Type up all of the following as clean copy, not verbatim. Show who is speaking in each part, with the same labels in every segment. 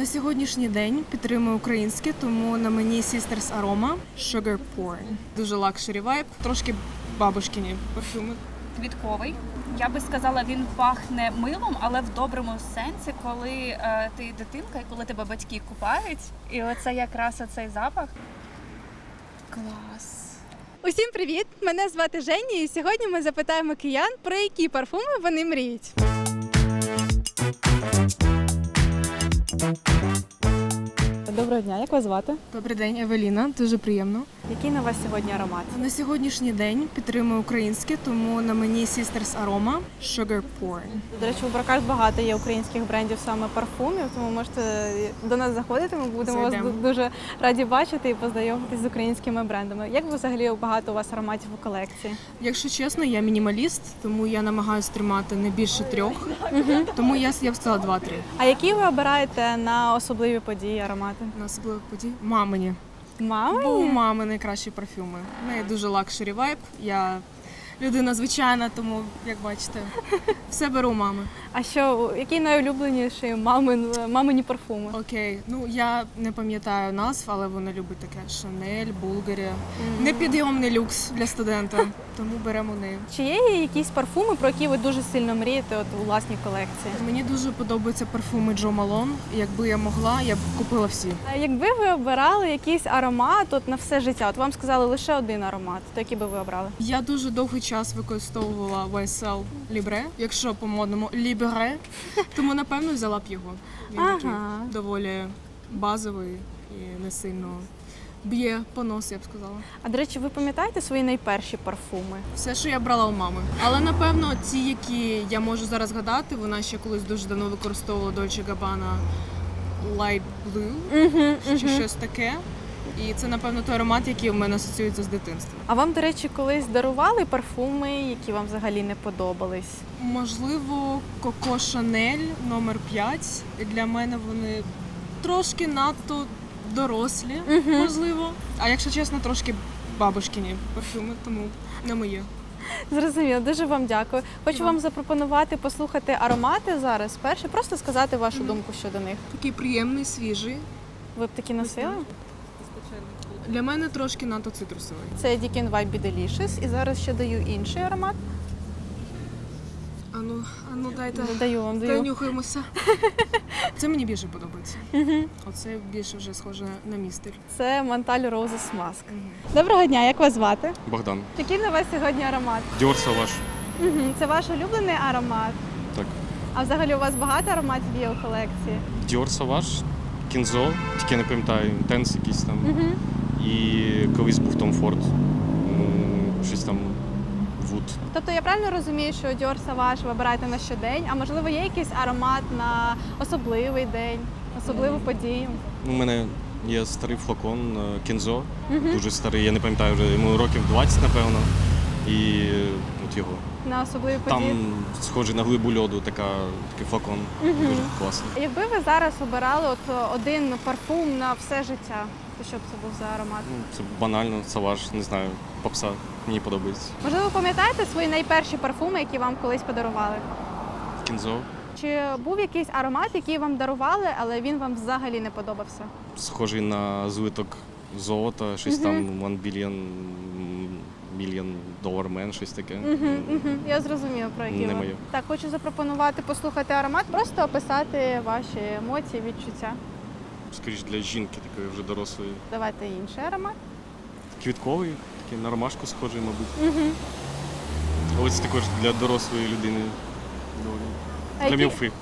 Speaker 1: На сьогоднішній день підтримую українське, тому на мені Sisters Aroma Sugar Porn. Дуже лакшері вайб, трошки бабушкині парфюми.
Speaker 2: Квітковий. Я би сказала, він пахне милом, але в доброму сенсі, коли ти дитинка і коли тебе батьки купають. І оце якраз оцей запах. Клас.
Speaker 3: Усім привіт! Мене звати Женя, і сьогодні ми запитаємо киян, про які парфуми вони мріють. Доброго дня, як вас звати?
Speaker 1: Добрий день, Евеліна, дуже приємно.
Speaker 3: Який на вас сьогодні аромат?
Speaker 1: На сьогоднішній день підтримую українське, тому на мені Sisters Aroma Sugar Porn.
Speaker 3: До речі, у Бракард багато є українських брендів саме парфумів, тому можете до нас заходити, ми будемо вас дуже раді бачити і познайомитись з українськими брендами. Як взагалі багато у вас ароматів у колекції?
Speaker 1: Якщо чесно, я мінімаліст, тому я намагаюся тримати не більше 3, тому я б сказала 2-3.
Speaker 3: А які ви обираєте на особливі події аромати?
Speaker 1: На особливих подій мамині.
Speaker 3: Мамині?
Speaker 1: Бо у мами найкращі парфюми. В неї дуже лакшері вайб. Я людина звичайна, тому, як бачите, все беру у мами.
Speaker 3: А що, який найулюбленіший мамині парфуми?
Speaker 1: Окей, ну я не пам'ятаю назв, але вона любить таке Шанель, Булгарі. Непідйомний люкс для студента, тому беремо неї.
Speaker 3: Чи є якісь парфуми, про які ви дуже сильно мрієте у власній колекції?
Speaker 1: Мені дуже подобаються парфуми Джо Малон. Якби я могла, я б купила всі.
Speaker 3: А якби ви обирали якийсь аромат на все життя, от вам сказали лише один аромат, то який би ви обрали?
Speaker 1: Я дуже довгий час використовувала YSL Libre, якщо по-модному Libre, тому напевно взяла б його. Він такий доволі базовий і не сильно б'є по носу, я б сказала.
Speaker 3: А до речі, ви пам'ятаєте свої найперші парфуми?
Speaker 1: Все, що я брала у мами. Але напевно ті, які я можу зараз згадати, вона ще колись дуже давно використовувала Dolce Gabbana Light Blue, чи щось таке. І це, напевно, той аромат, який в мене асоціюється з дитинством.
Speaker 3: А вам, до речі, колись дарували парфуми, які вам взагалі не подобались?
Speaker 1: Можливо, Coco Chanel номер 5. Для мене вони трошки надто дорослі, можливо. А якщо чесно, трошки бабушкині парфюми, тому не моє.
Speaker 3: Зрозуміло, дуже вам дякую. Хочу вам запропонувати послухати аромати зараз. Перше, просто сказати вашу думку щодо них.
Speaker 1: Такий приємний, свіжий.
Speaker 3: Ви б такі носили?
Speaker 1: Для мене трошки надто цитрусовий.
Speaker 3: Це Deacon Vibe Be Delicious. І зараз ще даю інший аромат.
Speaker 1: Ану, дайте.
Speaker 3: Даю вам.
Speaker 1: Нюхаємося. Це мені більше подобається. Оце більше вже схоже на мій стиль.
Speaker 3: Це Montale Roses Mask. Доброго дня, як вас звати?
Speaker 4: Богдан.
Speaker 3: Який на вас сьогодні аромат?
Speaker 4: Dior Sauvage.
Speaker 3: Це ваш улюблений аромат?
Speaker 4: Так.
Speaker 3: А взагалі у вас багато ароматів є у колекції?
Speaker 4: Dior Sauvage, Kinzo, тільки не пам'ятаю, Intense якийсь там. І колись був Tom Ford. Щось там Wood.
Speaker 3: Тобто я правильно розумію, що Dior Sauvage ви обираєте на щодень, а можливо є якийсь аромат на особливий день, особливу подію?
Speaker 4: У мене є старий флакон Kinzo, дуже старий, я не пам'ятаю вже, йому років 20, напевно. І от його.
Speaker 3: На особливі події?
Speaker 4: Там схожий на глибу льоду такий флакон. Дуже класний.
Speaker 3: Якби ви зараз обирали один парфум на все життя, то що б це був за аромат?
Speaker 4: Це банально, Sauvage, не знаю, попса, мені подобається.
Speaker 3: Можливо, пам'ятаєте свої найперші парфуми, які вам колись подарували?
Speaker 4: Kinzo.
Speaker 3: Чи був якийсь аромат, який вам дарували, але він вам взагалі не подобався?
Speaker 4: Схожий на злиток золота, щось там $1 billion dollar man, щось таке.
Speaker 3: Я зрозуміла, про який
Speaker 4: Не
Speaker 3: ви.
Speaker 4: моє.
Speaker 3: Так, хочу запропонувати послухати аромат, просто описати ваші емоції, відчуття.
Speaker 4: Скоріше для жінки такої вже дорослої.
Speaker 3: Давайте інший аромат.
Speaker 4: Квітковий, такий на ромашку схожий, мабуть. Але це також для дорослої людини.
Speaker 3: А
Speaker 4: Для
Speaker 3: які-
Speaker 4: мілфи.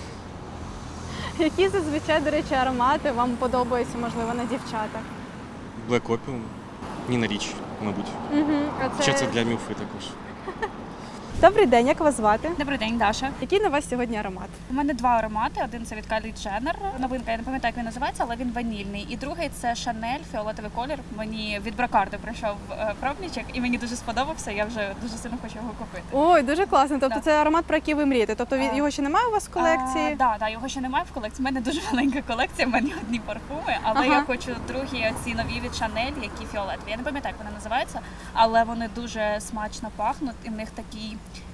Speaker 3: Які зазвичай, до речі, аромати вам подобаються, можливо, на дівчатах?
Speaker 4: Black Opium, Ніна Річ, мабуть. Ще це для мілфи також.
Speaker 3: Добрий день, як вас звати?
Speaker 2: Добрий день, Даша.
Speaker 3: Який на вас сьогодні аромат?
Speaker 2: У мене два аромати. Один це від Kylie Jenner. Новинка, я не пам'ятаю, як він називається, але він ванільний. І другий це Chanel, фіолетовий колір. Мені від Бракарду прийшов пробничок і мені дуже сподобався. Я вже дуже сильно хочу його купити.
Speaker 3: Ой, дуже класно. Тобто
Speaker 2: Так.
Speaker 3: це аромат, про який ви мрієте. Тобто його ще немає у вас в колекції?
Speaker 2: Так, його ще немає в колекції. У мене дуже маленька колекція, в мене одні парфуми, але я хочу другі ці нові від Chanel, які фіолетові. Я не пам'ятаю, як вони називаються, але вони дуже смачно пахнуть, і в них такий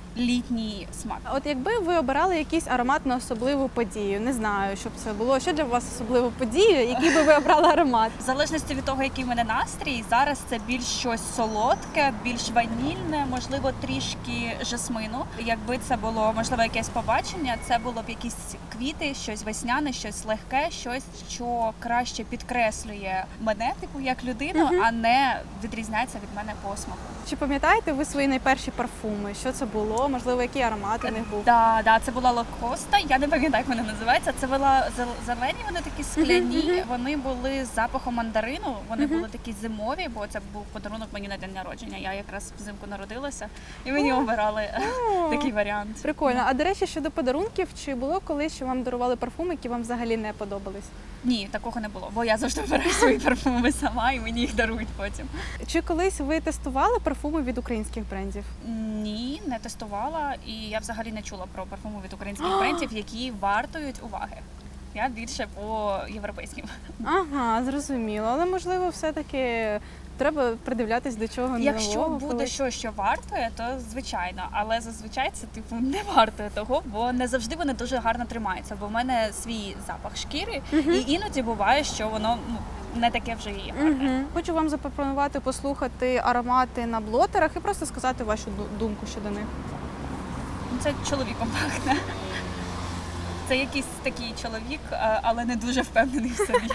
Speaker 2: літній смак.
Speaker 3: А от якби ви обирали якийсь аромат на особливу подію, не знаю, щоб це було, що для вас особлива подія, який би ви обрали аромат?
Speaker 2: В залежності від того, який в мене настрій, зараз це більш щось солодке, більш ванільне, можливо, трішки жасмину. Якби це було, можливо, якесь побачення, це було б якісь квіти, щось весняне, щось легке, щось, що краще підкреслює мене, типу, як людину, а не відрізняється від мене по смаку.
Speaker 3: Чи пам'ятаєте ви свої найперші парфуми? Що це було? Можливо, який аромат у них був?
Speaker 2: Да, це була лакоста. Я не пам'ятаю, як вона називається. Це була зелені, вони такі скляні. Вони були з запахом мандарину. Вони були такі зимові, бо це був подарунок мені на день народження. Я якраз взимку народилася, і мені обирали такий варіант.
Speaker 3: Прикольно. А до речі, щодо подарунків, чи було колись, що вам дарували парфуми, які вам взагалі не подобались?
Speaker 2: Ні, такого не було, бо я завжди обираю свої парфуми сама, і мені їх дарують потім.
Speaker 3: Чи колись ви тестували парфуми від українських брендів?
Speaker 2: Ні, не тестувала, і я взагалі не чула про парфуми від українських брендів, які вартують уваги. Я більше по європейським.
Speaker 3: Ага, зрозуміло. Але можливо, все-таки треба придивлятись до чого нового.
Speaker 2: Якщо буде
Speaker 3: колись.
Speaker 2: щось, що вартує, то звичайно. Але зазвичай це типу не вартує того, бо не завжди вони дуже гарно тримаються. Бо в мене свій запах шкіри, і іноді буває, що воно не таке вже і гарне.
Speaker 3: Хочу вам запропонувати послухати аромати на блотерах і просто сказати вашу думку щодо них.
Speaker 2: Це чоловіком пахне. Це якийсь такий чоловік, але не дуже впевнений в собі.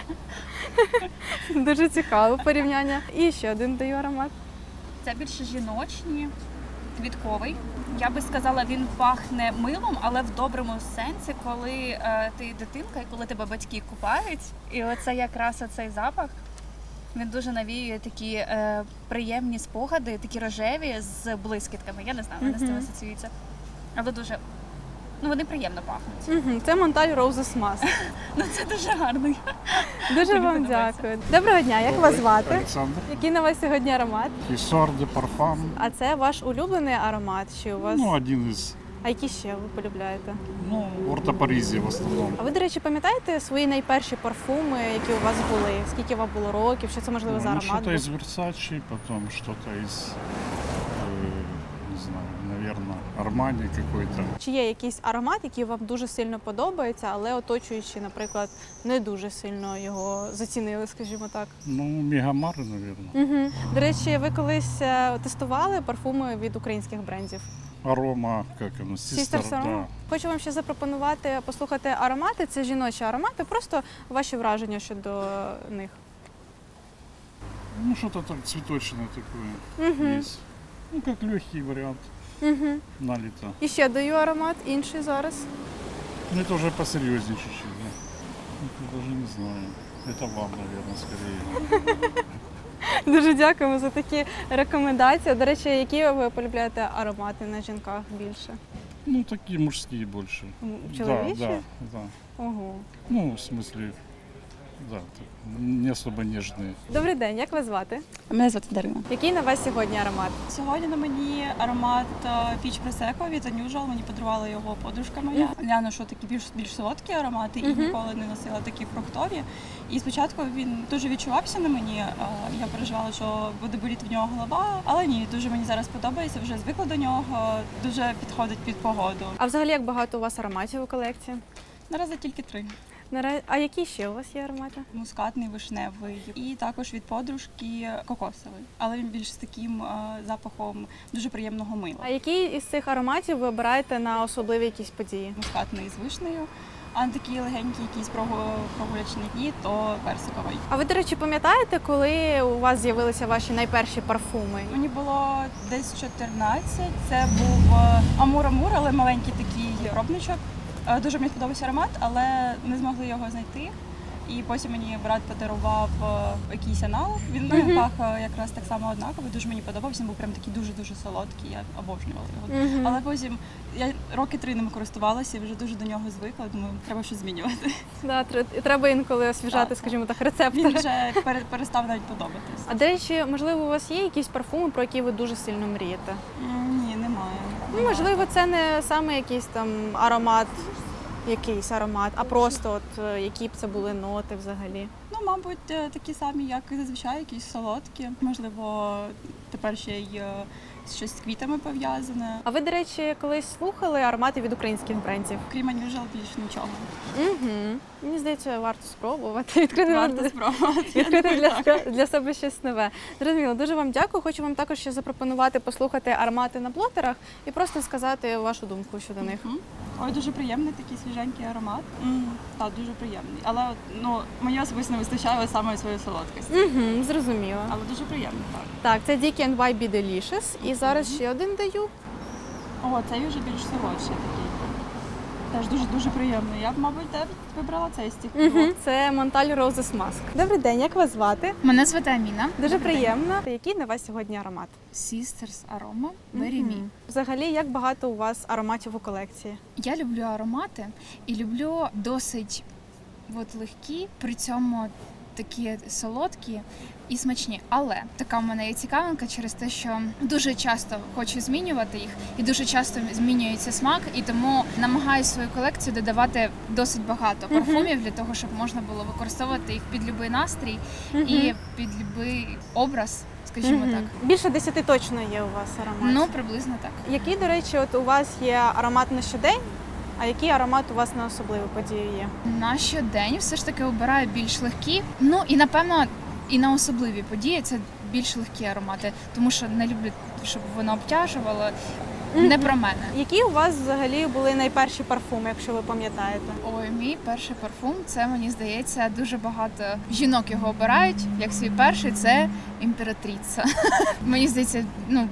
Speaker 3: Дуже цікаве порівняння. І ще один даю аромат.
Speaker 2: Це більше жіночні, квітковий. Я би сказала, він пахне милом, але в доброму сенсі, коли ти дитинка і коли тебе батьки купають. І оце якраз оцей запах, він дуже навіює такі приємні спогади, такі рожеві з блискітками. Я не знаю, вони з цим асоціюються. Але дуже, вони приємно пахнуть.
Speaker 3: Це Монталь Roses Mask.
Speaker 2: Це дуже гарно.
Speaker 3: Дуже
Speaker 2: Мені
Speaker 3: вам
Speaker 2: подобається.
Speaker 3: дякую. Доброго дня, як вас звати?
Speaker 5: Олександр.
Speaker 3: Який на вас сьогодні аромат?
Speaker 5: Фісор де парфам.
Speaker 3: А це ваш улюблений аромат? Чи у вас?
Speaker 5: Один із.
Speaker 3: А які ще ви полюбляєте?
Speaker 5: Орто Паризі в основному.
Speaker 3: А ви, до речі, пам'ятаєте свої найперші парфуми, які у вас були? Скільки вам було років? Що це можливо за аромат?
Speaker 5: Что-то
Speaker 3: був?
Speaker 5: из Versace, потом что-то из, не знаю, наверное, Армани какой-то.
Speaker 3: Чи є якийсь аромат, який вам дуже сильно подобається, але оточуючи, наприклад, не дуже сильно його зацінили, скажімо так?
Speaker 5: Мегамар, наверное.
Speaker 3: До речі, ви колись тестували парфуми від українських брендів?
Speaker 5: Арома, как оно,
Speaker 3: Sisters
Speaker 5: Sister,
Speaker 3: Aroma?
Speaker 5: да.
Speaker 3: Хочу вам ще запропонувати послухати аромати. Це жіночі аромати, просто ваші враження щодо них.
Speaker 5: Что-то так цветочное такое есть. Как легкий вариант налито.
Speaker 3: І ще даю аромат, інший зараз.
Speaker 5: Это уже посерьезнее чуть-чуть, да. Это даже не знаю. Это вам, наверное, скорее.
Speaker 3: Дуже дякуємо за такі рекомендації. До речі, які ви полюбляєте аромати на жінках більше?
Speaker 5: Такие мужские больше.
Speaker 3: Чоловічі?
Speaker 5: Да.
Speaker 3: Ого.
Speaker 5: В смысле, да, так, не особо нежные.
Speaker 3: Добрий день, як вас звати?
Speaker 6: Мене звати Дарина.
Speaker 3: Який на вас сьогодні аромат?
Speaker 6: Сьогодні на мені аромат піч пресеко від Unusual. Мені подарувала його подружка моя. Я ношу такі більш солодкі аромати і ніколи не носила такі фруктові. І спочатку він дуже відчувався на мені. Я переживала, що буде боліти в нього голова, але ні, дуже мені зараз подобається. Вже звикла до нього, дуже підходить під погоду.
Speaker 3: А взагалі, як багато у вас ароматів у колекції?
Speaker 6: Наразі тільки 3.
Speaker 3: А які ще у вас є аромати?
Speaker 6: Мускатний, вишневий і також від подружки кокосовий. Але він більш з таким запахом дуже приємного мила.
Speaker 3: А який із цих ароматів ви обираєте на особливі якісь події?
Speaker 6: Мускатний з вишнею, а на такі легенькі якісь прогулячні дні, то персиковий.
Speaker 3: А ви, до речі, пам'ятаєте, коли у вас з'явилися ваші найперші парфуми?
Speaker 6: Мені було десь 14, це був Амур-Амур, але маленький такий пробничок. Дуже мені сподобався аромат, але не змогли його знайти. І потім мені брат подарував якийсь аналог. Він пах якраз так само однаково, дуже мені подобався. Він був прям такий дуже-дуже солодкий, я обожнювала його. Але потім я роки 3 ним користувалася і вже дуже до нього звикла, думаю, треба щось змінювати.
Speaker 3: Да, треба інколи освіжати,
Speaker 6: Так.
Speaker 3: скажімо так, рецептори.
Speaker 6: Він вже перестав навіть подобатись.
Speaker 3: А до речі, можливо, у вас є якісь парфуми, про які ви дуже сильно мрієте?
Speaker 6: Ні, немає.
Speaker 3: Можливо, це не саме якийсь там аромат, а просто які б це були ноти взагалі.
Speaker 6: Мабуть, такі самі, як і зазвичай, якісь солодкі. Можливо, тепер ще й щось з квітами пов'язане.
Speaker 3: А ви, до речі, колись слухали аромати від українських брендів?
Speaker 6: Крім Unusual більше нічого.
Speaker 3: Угу. Мені здається, варто спробувати відкрити,
Speaker 6: Варто спробувати. Я
Speaker 3: відкрити
Speaker 6: думаю, так.
Speaker 3: для себе щось нове. Зрозуміло, дуже вам дякую. Хочу вам також ще запропонувати послухати аромати на блотерах і просто сказати вашу думку щодо них.
Speaker 6: Мгм. Ой, дуже приємний такий свіженький аромат. Так, дуже приємний. Але ну, мені особисто не вистачає саме своєї солодкості.
Speaker 3: Угу, зрозуміло.
Speaker 6: Але дуже приємний, так.
Speaker 3: Так, це Dick By Be Delicious. І зараз ще один даю.
Speaker 6: О, цей вже більш солодший такий. Теж дуже приємний. Я б, мабуть, вибрала цей стік.
Speaker 3: Угу. Це Montal Roses Mask. Добрий день, як вас звати?
Speaker 7: Мене звати Аміна.
Speaker 3: Дуже приємно. Який на вас сьогодні аромат?
Speaker 7: Sisters Aroma Berry Me.
Speaker 3: Взагалі, як багато у вас ароматів у колекції?
Speaker 7: Я люблю аромати і люблю досить легкі, при цьому такі солодкі і смачні. Але така в мене є цікавинка через те, що дуже часто хочу змінювати їх, і дуже часто змінюється смак, і тому намагаюся свою колекцію додавати досить багато парфумів для того, щоб можна було використовувати їх під будь-який настрій і під будь-який образ, скажімо так.
Speaker 3: Більше 10 точно є у вас ароматів.
Speaker 7: Ну, приблизно так.
Speaker 3: Який, до речі, от у вас є аромат на щодень, а який аромат у вас на особливу подію є?
Speaker 7: На щодень все ж таки обираю більш легкі. Ну і напевно і на особливі події це більш легкі аромати, тому що не люблю, щоб воно обтяжувало. Не про мене.
Speaker 3: Які у вас взагалі були найперші парфуми, якщо ви пам'ятаєте?
Speaker 7: Ой, мій перший парфум, це, мені здається, дуже багато жінок його обирають. Як свій перший, це імператриця. Мені здається,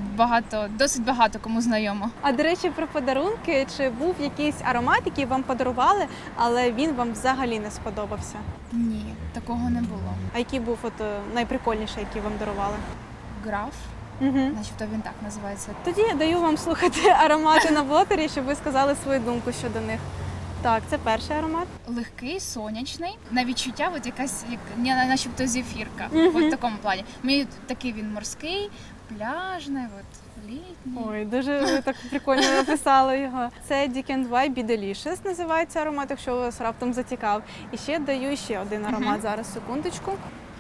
Speaker 7: досить багато кому знайомо.
Speaker 3: А до речі, про подарунки, чи був якийсь аромат, який вам подарували, але він вам взагалі не сподобався?
Speaker 7: Ні, такого не було.
Speaker 3: А який був найприкольніший, який вам дарували?
Speaker 7: Граф,
Speaker 3: Угу.
Speaker 7: начебто він так називається.
Speaker 3: Тоді я даю вам слухати аромати на блотері, щоб ви сказали свою думку щодо них. Так, це перший аромат.
Speaker 7: Легкий, сонячний, на відчуття, якась начебто зефірка.
Speaker 3: Мгм.
Speaker 7: В такому плані. Мені такий він морський, пляжний, літній.
Speaker 3: Ой, дуже ви так прикольно написали його. Це Dick By Be Delicious називається аромат, якщо вас раптом зацікав. І ще даю ще один аромат. Зараз, секундочку.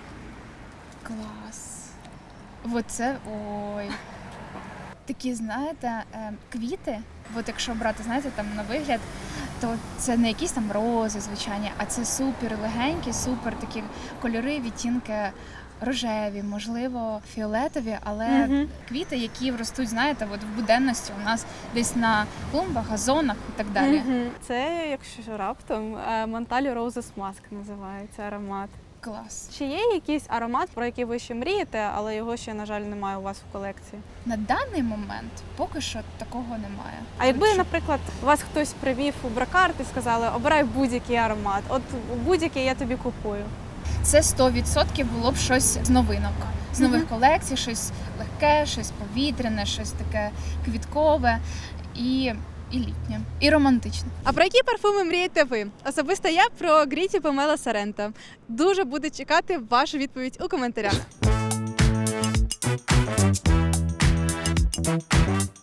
Speaker 7: Клас. Оце, ой. Такі, знаєте, квіти, якщо брати, знаєте, там на вигляд, то це не якісь там рози звичайні, а це супер легенькі, супер такі кольори, відтінки рожеві, можливо, фіолетові, але квіти, які ростуть, знаєте, в буденності у нас десь на клумбах, газонах і так далі.
Speaker 3: Це, якщо раптом, Montal Roses Mask називається аромат.
Speaker 7: Клас.
Speaker 3: Чи є якийсь аромат, про який ви ще мрієте, але його ще, на жаль, немає у вас в колекції?
Speaker 7: На даний момент поки що такого немає.
Speaker 3: А якби, наприклад, вас хтось привів у бракарт і сказали, обирай будь-який аромат, от будь-який я тобі купую.
Speaker 7: Це 100% було б щось з новинок, з нових колекцій, щось легке, щось повітряне, щось таке квіткове і літнє, і романтичне.
Speaker 3: А про які парфуми мрієте ви? Особисто я про Гріті Помела Соренто. Дуже буду чекати вашу відповідь у коментарях.